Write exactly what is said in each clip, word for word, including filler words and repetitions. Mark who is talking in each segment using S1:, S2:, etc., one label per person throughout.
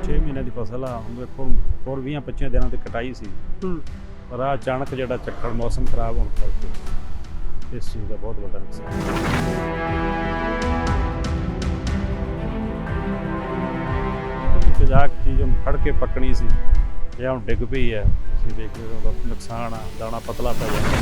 S1: छे महीने की फसल आ ਹੁਣ ਵੇਖੋ ਹੋਰ ਵੀਹ ਪੱਚੀ ਦਿਨਾਂ ਤੇ ਕਟਾਈ ਸੀ ਪਰ ਆ ਅਚਾਨਕ ਜਿਹੜਾ ਝੱਖੜ ਮੌਸਮ ਖਰਾਬ ਹੋਣ ਕਰਕੇ ਇਸ ਚੀਜ਼ ਦਾ ਬਹੁਤ ਵੱਡਾ ਨੁਕਸਾਨ ਜਾ ਚੀਜ਼ ਨੂੰ ਫੜ ਕੇ ਪੱਕਣੀ ਸੀ ਇਹ ਹੁਣ ਡਿੱਗ ਪਈ ਹੈ ਤੁਸੀਂ ਦੇਖ ਰਹੇ ਹੋ ਉਹਦਾ ਨੁਕਸਾਨ ਆ ਦਾਣਾ ਪਤਲਾ ਪੈ ਜਾਂਦਾ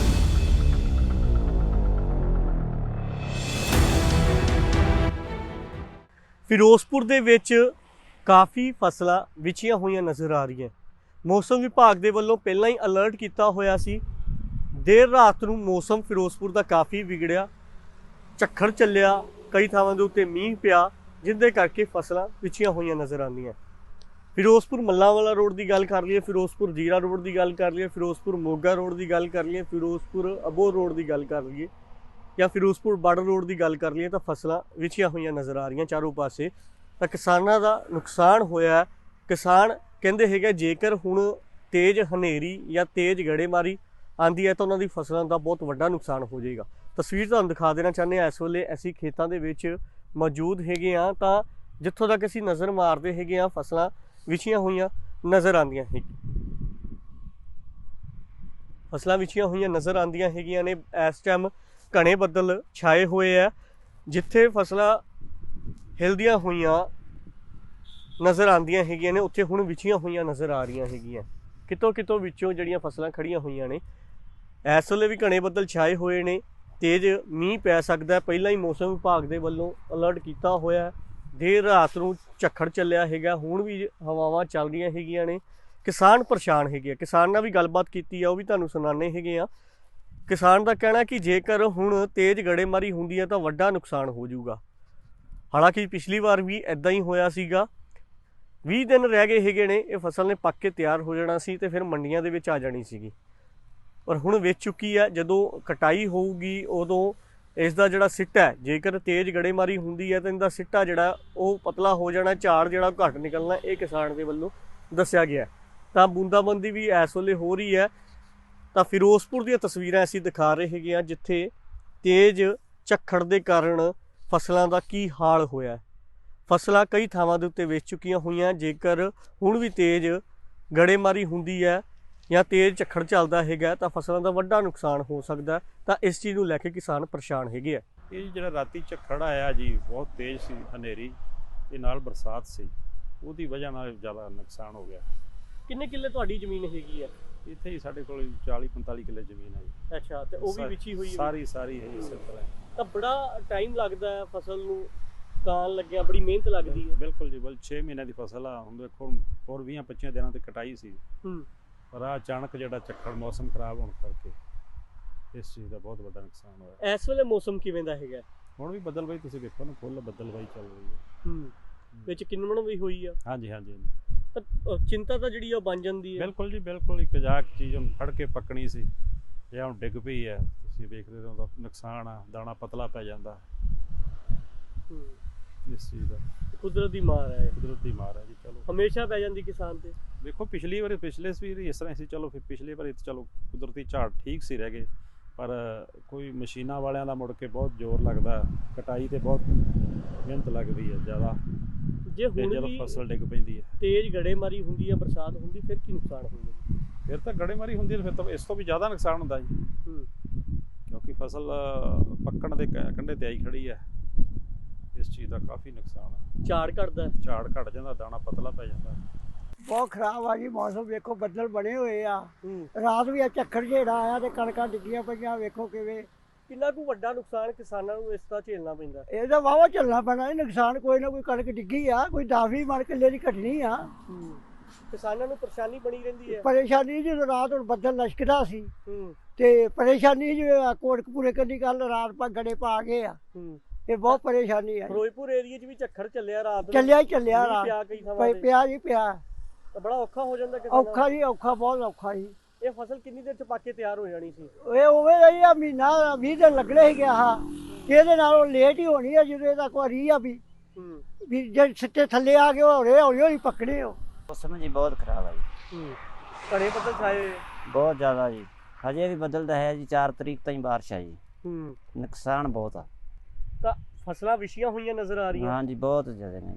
S2: ਫਿਰੋਜ਼ਪੁਰ ਦੇ ਵਿੱਚ ਕਾਫੀ ਫਸਲਾਂ ਵਿਛੀਆਂ ਹੋਈਆਂ ਨਜ਼ਰ ਆ ਰਹੀਆਂ। ਮੌਸਮ ਵਿਭਾਗ ਦੇ ਵੱਲੋਂ ਪਹਿਲਾਂ ਹੀ ਅਲਰਟ ਕੀਤਾ ਹੋਇਆ ਸੀ। ਦੇਰ ਰਾਤ ਨੂੰ ਮੌਸਮ ਫਿਰੋਜ਼ਪੁਰ ਦਾ ਕਾਫੀ ਵਿਗੜਿਆ, ਝੱਖੜ ਚੱਲਿਆ, ਕਈ ਥਾਵਾਂ ਦੇ ਉੱਤੇ ਮੀਂਹ ਪਿਆ ਜਿੰਦੇ ਕਰਕੇ ਫਸਲਾਂ ਵਿਛੀਆਂ ਹੋਈਆਂ ਨਜ਼ਰ ਆਉਂਦੀਆਂ। ਫਿਰੋਜ਼ਪੁਰ ਮੱਲਾਂਵਾਲਾ ਰੋਡ ਦੀ ਗੱਲ ਕਰ ਲਈਏ, ਫਿਰੋਜ਼ਪੁਰ ਜੀਰਾ ਰੋਡ ਦੀ ਗੱਲ ਕਰ ਲਈਏ, ਫਿਰੋਜ਼ਪੁਰ ਮੋਗਾ ਰੋਡ ਦੀ ਗੱਲ ਕਰ ਲਈਏ, ਫਿਰੋਜ਼ਪੁਰ ਅਬੋਹਰ ਰੋਡ ਦੀ ਗੱਲ ਕਰ ਲਈਏ ਜਾਂ ਫਿਰੋਜ਼ਪੁਰ ਬਾਰਡਰ ਰੋਡ ਦੀ ਗੱਲ ਕਰ ਲਈਏ ਤਾਂ ਫਸਲਾਂ ਵਿਛੀਆਂ ਹੋਈਆਂ ਨਜ਼ਰ ਆ ਰਹੀਆਂ ਚਾਰੋਂ ਪਾਸੇ। ਤਾਂ ਕਿਸਾਨਾਂ ਦਾ ਨੁਕਸਾਨ ਹੋਇਆ। ਕਿਸਾਨ ਕਹਿੰਦੇ ਹੈਗੇ ਜੇਕਰ ਹੁਣ ਤੇਜ਼ ਹਨੇਰੀ ਜਾਂ ਤੇਜ਼ ਗੜੇਮਾਰੀ ਆਂਦੀ ਹੈ ਤਾਂ ਉਹਨਾਂ ਦੀ ਫਸਲਾਂ ਦਾ ਬਹੁਤ ਵੱਡਾ ਨੁਕਸਾਨ ਹੋ ਜਾਏਗਾ। ਤਸਵੀਰ ਤੁਹਾਨੂੰ ਦਿਖਾ ਦੇਣਾ ਚਾਹੁੰਦੇ ਹਾਂ, ਇਸ ਵੇਲੇ ਅਸੀਂ ਖੇਤਾਂ ਦੇ ਵਿੱਚ ਮੌਜੂਦ ਹੈਗੇ ਹਾਂ ਤਾਂ ਜਿੱਥੋਂ ਤੱਕ ਅਸੀਂ ਨਜ਼ਰ ਮਾਰਦੇ ਹੈਗੇ ਹਾਂ ਫਸਲਾਂ ਵਿਛੀਆਂ ਹੋਈਆਂ ਨਜ਼ਰ ਆਉਂਦੀਆਂ ਹੈਗੀਆਂ ਫਸਲਾਂ ਵਿਛੀਆਂ ਹੋਈਆਂ ਨਜ਼ਰ ਆਉਂਦੀਆਂ ਹੈਗੀਆਂ ਨੇ। ਇਸ ਟਾਈਮ ਘਣੇ ਬੱਦਲ ਛਾਏ ਹੋਏ ਆ, ਜਿੱਥੇ ਫਸਲਾਂ ਹਿਲਦੀਆਂ ਹੋਈਆਂ ਨਜ਼ਰ ਆਉਂਦੀਆਂ ਹੈਗੀਆਂ ਨੇ ਉੱਥੇ ਹੁਣ ਵਿਛੀਆਂ ਹੋਈਆਂ ਨਜ਼ਰ ਆ ਰਹੀਆਂ ਹੈਗੀਆਂ। ਕਿਤੋਂ ਕਿਤੋਂ ਵਿੱਚੋਂ ਜਿਹੜੀਆਂ ਫਸਲਾਂ ਖੜੀਆਂ ਹੋਈਆਂ ਨੇ ਇਸ ਵੇਲੇ ਵੀ ਘਣੇ ਬੱਦਲ ਛਾਏ ਹੋਏ ਨੇ, ਤੇਜ਼ ਮੀਂਹ ਪੈ ਸਕਦਾ। ਪਹਿਲਾਂ ਹੀ ਮੌਸਮ ਵਿਭਾਗ ਦੇ ਵੱਲੋਂ ਅਲਰਟ ਕੀਤਾ ਹੋਇਆ। ਦੇਰ ਰਾਤ ਨੂੰ ਝੱਖੜ ਚੱਲਿਆ ਹੈਗਾ, ਹੁਣ ਵੀ ਹਵਾਵਾਂ ਚੱਲ ਰਹੀਆਂ ਹੈਗੀਆਂ ਨੇ। ਕਿਸਾਨ ਪਰੇਸ਼ਾਨ ਹੈਗੇ ਆ, ਕਿਸਾਨ ਨਾਲ ਵੀ ਗੱਲਬਾਤ ਕੀਤੀ ਆ, ਉਹ ਵੀ ਤੁਹਾਨੂੰ ਸੁਣਾਉਂਦੇ ਹੈਗੇ ਆ। ਕਿਸਾਨ ਦਾ ਕਹਿਣਾ ਕਿ ਜੇਕਰ ਹੁਣ ਤੇਜ਼ ਗੜੇਮਾਰੀ ਹੁੰਦੀ ਹੈ ਤਾਂ ਵੱਡਾ ਨੁਕਸਾਨ ਹੋ ਜਾਊਗਾ। ਹਾਲਾਂਕਿ ਪਿਛਲੀ ਵਾਰ ਵੀ ਇੱਦਾਂ ਹੀ ਹੋਇਆ ਸੀਗਾ। ਵੀਹ ਦਿਨ ਰਹਿ ਗਏ ਹੈਗੇ ਨੇ, ਇਹ ਫਸਲ ਨੇ ਪੱਕ ਕੇ ਤਿਆਰ ਹੋ ਜਾਣਾ ਸੀ ਤੇ ਫਿਰ ਮੰਡੀਆਂ ਦੇ ਵਿੱਚ ਆ ਜਾਣੀ ਸੀਗੀ, ਪਰ ਹੁਣ ਵੇਚ ਚੁੱਕੀ ਹੈ। ਜਦੋਂ ਕਟਾਈ ਹੋਊਗੀ ਉਦੋਂ ਇਸ ਦਾ ਜਿਹੜਾ ਸਿੱਟਾ ਹੈ, ਜੇਕਰ ਤੇਜ਼ ਗੜੇਮਾਰੀ ਹੁੰਦੀ ਹੈ ਤਾਂ ਇਹਦਾ ਸਿੱਟਾ ਜਿਹੜਾ ਉਹ ਪਤਲਾ ਹੋ ਜਾਣਾ, ਝਾੜ ਜਿਹੜਾ ਘੱਟ ਨਿਕਲਣਾ, ਇਹ ਕਿਸਾਨ ਦੇ ਵੱਲੋਂ ਦੱਸਿਆ ਗਿਆ। ਤਾਂ ਬੂੰਦਾਬੰਦੀ ਵੀ ਇਸ ਵੇਲੇ ਹੋ ਰਹੀ ਹੈ। ਤਾਂ ਫਿਰੋਜ਼ਪੁਰ ਦੀਆਂ ਤਸਵੀਰਾਂ ਅਸੀਂ ਦਿਖਾ ਰਹੇ ਹੈਗੇ ਹਾਂ, ਜਿੱਥੇ ਤੇਜ਼ ਝੱਖੜ ਦੇ ਕਾਰਨ ਫਸਲਾਂ ਦਾ ਕੀ ਹਾਲ ਹੋਇਆ। ਫਸਲਾਂ ਕਈ ਥਾਵਾਂ ਦੇ ਉੱਤੇ ਵੇਚ ਚੁੱਕੀਆਂ ਹੋਈਆਂ। ਜੇਕਰ ਹੁਣ ਵੀ ਤੇਜ਼ ਗੜੇਮਾਰੀ ਹੁੰਦੀ ਹੈ ਜਾਂ ਤੇਜ਼ ਝੱਖੜ ਚੱਲਦਾ ਹੈਗਾ ਤਾਂ ਫਸਲਾਂ ਦਾ ਵੱਡਾ ਨੁਕਸਾਨ ਹੋ ਸਕਦਾ। ਤਾਂ ਇਸ ਚੀਜ਼ ਨੂੰ ਲੈ ਕੇ ਕਿਸਾਨ ਪਰੇਸ਼ਾਨ ਹੈਗੇ ਆ।
S1: ਇਹ ਜਿਹੜਾ ਰਾਤੀ ਝੱਖੜ ਆਇਆ ਜੀ ਬਹੁਤ ਤੇਜ਼ ਸੀ, ਹਨੇਰੀ ਤੇ ਨਾਲ ਬਰਸਾਤ ਸੀ, ਉਹਦੀ ਵਜ੍ਹਾ ਨਾਲ ਜ਼ਿਆਦਾ ਨੁਕਸਾਨ ਹੋ ਗਿਆ।
S2: ਕਿੰਨੇ ਕਿੱਲੇ ਤੁਹਾਡੀ ਜ਼ਮੀਨ ਹੈਗੀ ਆ?
S1: ਇੱਥੇ ਹੀ ਸਾਡੇ ਕੋਲ ਚਾਲੀ ਪੰਤਾਲੀ ਕਿੱਲੇ ਜ਼ਮੀਨ ਹੈ ਜੀ।
S2: ਅੱਛਾ, ਤੇ ਉਹ ਵੀ ਵਿਛੀ ਹੋਈ ਹੈ?
S1: ਸਾਰੀ ਸਾਰੀ ਹੈ ਇਸੇ ਤਰ੍ਹਾਂ।
S2: ਤਾਂ ਬੜਾ ਟਾਈਮ ਲੱਗਦਾ ਹੈ ਫਸਲ ਨੂੰ ਕਾਣ ਲੱਗਿਆ, ਬੜੀ ਮਿਹਨਤ ਲੱਗਦੀ ਹੈ।
S1: ਬਿਲਕੁਲ ਜੀ, ਬਲ ਛੇ ਮਹੀਨੇ ਦੀ ਫਸਲ ਆ। ਹੁਣ ਵੇਖੋ ਹੋਰ ਵੀਹ ਪੱਚੀ ਦਿਨਾਂ ਤੇ ਕਟਾਈ ਸੀ ਪਰ ਆ ਅਚਾਨਕ ਜਿਹੜਾ ਝੱਖੜ ਮੌਸਮ ਖਰਾਬ ਹੋਣ ਕਰਕੇ ਇਸ ਚੀਜ਼ ਦਾ ਬਹੁਤ ਵੱਡਾ ਨੁਕਸਾਨ ਹੋਇਆ।
S2: ਇਸ ਵੇਲੇ ਮੌਸਮ ਕਿਵੇਂ ਦਾ ਹੈਗਾ?
S1: ਹੁਣ ਵੀ ਬੱਦਲਬਾਈ ਤੁਸੀਂ ਵੇਖੋ ਨਾ, ਫੁੱਲ ਬੱਦਲਬਾਈ ਚੱਲ ਰਹੀ ਹੈ।
S2: ਹੂੰ, ਵਿੱਚ ਕਿੰਨਵਣ ਵੀ ਹੋਈ ਆ?
S1: ਹਾਂਜੀ ਹਾਂਜੀ,
S2: ਤਾਂ ਚਿੰਤਾ ਤਾਂ ਜਿਹੜੀ ਆ ਬਣ ਜਾਂਦੀ ਹੈ।
S1: ਬਿਲਕੁਲ ਜੀ ਬਿਲਕੁਲ। ਇੱਕ ਜਾਕ ਚੀਜ਼ ਨੂੰ ਫੜ ਕੇ ਪੱਕਣੀ ਸੀ ਇਹ ਹੁਣ ਡਿੱਗ ਪਈ ਹੈ, ਤੁਸੀਂ ਵੇਖ ਰਹੇ ਹੋ ਉਹਦਾ ਨੁਕਸਾਨ ਆ, ਦਾਣਾ ਪਤਲਾ ਪੈ ਜਾਂਦਾ ਇਸ ਚੀਜ਼ ਦਾ।
S2: ਕੁਦਰਤ ਦੀ ਮਾਰ ਹੈ,
S1: ਕੁਦਰਤ ਦੀ ਮਾਰ ਹੈ ਜੀ। ਚਲੋ
S2: ਹਮੇਸ਼ਾ ਪੈ ਜਾਂਦੀ ਕਿਸਾਨ ਤੇ।
S1: ਵੇਖੋ ਪਿਛਲੀ ਵਾਰੀ ਪਿਛਲੇ ਵੀ ਇਸ ਤਰ੍ਹਾਂ ਸੀ, ਚਲੋ ਫਿਰ ਪਿਛਲੀ ਵਾਰੀ ਚਲੋ ਕੁਦਰਤੀ ਝਾੜ ਠੀਕ ਸੀ ਰਹਿ ਗਏ, ਪਰ ਕੋਈ ਮਸ਼ੀਨਾਂ ਵਾਲਿਆਂ ਦਾ ਮੁੜ ਕੇ ਬਹੁਤ ਜ਼ੋਰ ਲੱਗਦਾ, ਕਟਾਈ ਤੇ ਬਹੁਤ ਮਿਹਨਤ ਲੱਗਦੀ ਹੈ ਜ਼ਿਆਦਾ। ਜੇ ਹੁਣ ਵੀ ਫਸਲ ਡਿੱਗ ਪੈਂਦੀ ਹੈ, ਤੇਜ਼
S2: ਗੜੇਮਾਰੀ ਹੁੰਦੀ ਹੈ, ਬਰਸਾਤ ਹੁੰਦੀ, ਫਿਰ ਕੀ ਨੁਕਸਾਨ ਹੋਊਗਾ?
S1: ਫਿਰ ਤਾਂ ਗੜੇਮਾਰੀ ਹੁੰਦੀ ਹੈ, ਫਿਰ ਤਾਂ ਇਸ ਤੋਂ ਵੀ ਜ਼ਿਆਦਾ ਨੁਕਸਾਨ ਹੁੰਦਾ ਜੀ। ਕਿਉਂਕਿ ਫਸਲ ਪੱਕਣ ਦੇ ਕੰਢੇ ਤੇ ਆਈ ਖੜੀ ਹੈ, ਇਸ ਚੀਜ਼ ਦਾ ਕਾਫੀ ਨੁਕਸਾਨ ਹੈ।
S2: ਝਾੜ ਘਟਦਾ,
S1: ਝਾੜ ਘਟ ਜਾਂਦਾ, ਦਾਣਾ ਪਤਲਾ ਪੈ ਜਾਂਦਾ।
S3: ਬਹੁਤ ਖਰਾਬ ਆ ਜੀ ਮੌਸਮ। ਵੇਖੋ ਬੱਦਲ ਬਣੇ ਹੋਏ ਆ, ਰਾਤ ਵੀ ਆ ਝੱਖੜ ਜਿਹੜਾ ਆਇਆ ਤੇ ਕਣਕਾਂ ਡਿੱਗੀਆਂ ਪਈਆਂ। ਵੇਖੋ ਕਿਵੇਂ
S2: ਕਿੰਨਾ ਕੁ ਵੱਡਾ ਨੁਕਸਾਨ ਕਿਸਾਨਾਂ ਨੂੰ ਇਸ ਦਾ ਝੇਲਣਾ ਪੈਂਦਾ।
S3: ਇਹਦਾ ਵਾਵਾ ਚੱਲਣਾ ਪੈਣਾ। ਇਹ ਨੁਕਸਾਨ ਕੋਈ ਨਾ ਕੋਈ ਕਣਕ ਡਿੱਗੀ ਆ, ਕੋਈ ਦਸ ਵੀਹ ਮਣ ਕਿੱਲੇ ਦੀ ਘਟਣੀ ਆ।
S2: ਕਿਸਾਨਾਂ ਨੂੰ ਪਰੇਸ਼ਾਨੀ ਬਣੀ ਰਹਿੰਦੀ ਹੈ।
S3: ਪਰੇਸ਼ਾਨੀ ਜਦੋਂ ਰਾਤ ਹੁਣ ਬੱਦਲ ਲਸ਼ਕਦਾ ਸੀ ਤੇ ਪਰੇਸ਼ਾਨੀ ਜਿਵੇਂ ਕੋਟਕਪੂਰੇ ਕੰਨੀ ਕੱਲ ਰਾਤ ਪਾ ਗੜੇ ਪਾ ਗਏ ਆ, ਇਹ ਬਹੁਤ ਪਰੇਸ਼ਾਨੀ ਆ।
S2: ਫਿਰੋਜ਼ਪੁਰ ਏਰੀਏ 'ਚ ਵੀ ਝੱਖੜ ਚੱਲਿਆ ਰਾਤ ਨੂੰ,
S3: ਚੱਲਿਆ ਹੀ ਚੱਲਿਆ ਰਾਤ
S2: ਪਿਆ ਕਈ ਥਾਵਾਂ ਤੇ,
S3: ਪਿਆ ਜੀ ਪਿਆ।
S2: ਤਾਂ ਬੜਾ ਔਖਾ ਹੋ ਜਾਂਦਾ ਕਿਸਾਨਾਂ ਨੂੰ।
S3: ਔਖਾ ਜੀ ਔਖਾ, ਬਹੁਤ ਔਖਾ ਜੀ।
S2: ਇਹ ਫਸਲ ਕਿੰਨੀ ਦੇਰ 'ਚ ਪੱਕ ਕੇ ਤਿਆਰ ਹੋ ਜਾਣੀ ਸੀ?
S3: ਇਹ ਉਵੇਂ ਦਾ ਹੀ ਆ, ਮਹੀਨਾ ਵੀਹ ਦਿਨ ਲੱਗਣੇ ਹੀ ਗਿਆ ਹਾਂ। ਇਹਦੇ ਨਾਲੋਂ ਲੇਟ ਹੀ ਹੋਣੀ ਆ ਜਦੋਂ ਇਹਦਾ ਕੋਈ ਰੀ ਆ ਵੀ ਵੀ ਜੇ ਸਿੱਟੇ ਥੱਲੇ ਆ ਗਏ ਹੌਲੇ ਹੌਲੀ ਹੌਲੀ ਪੱਕਣੇ ਹੋ।
S4: ਮੌਸਮ ਜੀ ਬਹੁਤ ਖਰਾਬ ਹੈ ਜੀ।
S2: ਘਣੇ ਬੱਦਲ ਛਾਏ
S4: ਬਹੁਤ ਜ਼ਿਆਦਾ ਜੀ। ਹਜੇ ਵੀ ਬਦਲਦਾ ਹੈ ਜੀ, ਚਾਰ ਤਰੀਕ ਤਾਈਂ ਬਾਰਿਸ਼ ਆ ਜੀ।
S2: ਹੂੰ,
S4: ਨੁਕਸਾਨ ਬਹੁਤ ਆ।
S2: ਤਾਂ ਫਸਲਾਂ ਵਿਛੀਆਂ ਹੋਈਆਂ ਨਜ਼ਰ ਆ ਰਹੀਆਂ।
S4: ਹਾਂ ਜੀ, ਬਹੁਤ ਜ਼ਿਆਦਾ ਨੇ ਜੀ।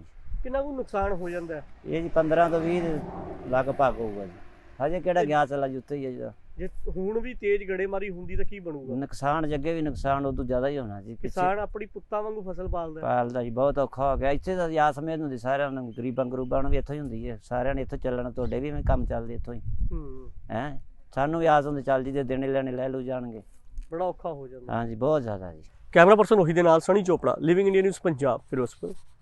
S2: ਕਿੰਨਾ ਕੁ ਨੁਕਸਾਨ ਹੋ ਜਾਂਦਾ ਹੈ?
S4: ਇਹ ਜੀ ਪੰਦਰਾਂ ਤੋਂ ਵੀਹ ਲਗਭਗ ਹੋਊਗਾ ਜੀ। ਹਜੇ ਕਿਹੜਾ ਗਿਆ ਚਲਾ ਜੁੱਤੇ ਹੀ ਹੈ ਜੀ।
S2: ਜੇ ਹੁਣ ਵੀ ਤੇਜ਼ ਗੜੇਮਾਰੀ ਹੁੰਦੀ ਤਾਂ ਕੀ ਬਣੂਗਾ?
S4: ਨੁਕਸਾਨ ਜੱਗੇ ਵੀ ਨੁਕਸਾਨ ਉਦੋਂ ਜ਼ਿਆਦਾ ਹੀ ਹੋਣਾ ਜੀ। ਪਿੱਛੇ
S2: ਕਿਸਾਨ ਆਪਣੀ ਪੁੱਤਾਂ ਵਾਂਗੂ ਫਸਲ ਪਾਲਦਾ ਹੈ।
S4: ਪਾਲਦਾ ਜੀ, ਬਹੁਤ ਔਖਾ ਹੋ ਗਿਆ। ਇੱਥੇ ਤਾਂ ਯਾਦ ਸਮੇਤ ਹੁੰਦੀ ਸਾਰਿਆਂ ਨੂੰ, ਗਰੀਬਾਂ ਗਰੂਬਾਂ ਨੂੰ ਵੀ ਇੱਥੋਂ ਹੀ ਹੁੰਦੀ ਹੈ। ਸਾਰਿਆਂ ਨੇ ਇੱਥੋਂ ਚੱਲਣਾ, ਤੁਹਾਡੇ ਵੀ ਕੰਮ ਚੱਲਦੇ ਇੱਥੋਂ ਹੀ
S2: ਹੂੰ,
S4: ਹੈ। ਸਾਨੂੰ ਵੀ ਆਸ ਹੁੰਦੀ ਚੱਲ ਜੀ, ਤੇ ਦੇਣੇ ਲੈਣੇ ਲੈ ਲੂ ਜਾਣਗੇ।
S2: ਬੜਾ ਔਖਾ ਹੋ ਜਾਂਦਾ।
S4: ਹਾਂਜੀ, ਬਹੁਤ ਜ਼ਿਆਦਾ ਜੀ।
S2: ਕੈਮਰਾ ਪਰਸਨ ਉਹੀ ਦੇ ਨਾਲ Sunny Chopra, living India news Punjab, Firozpur.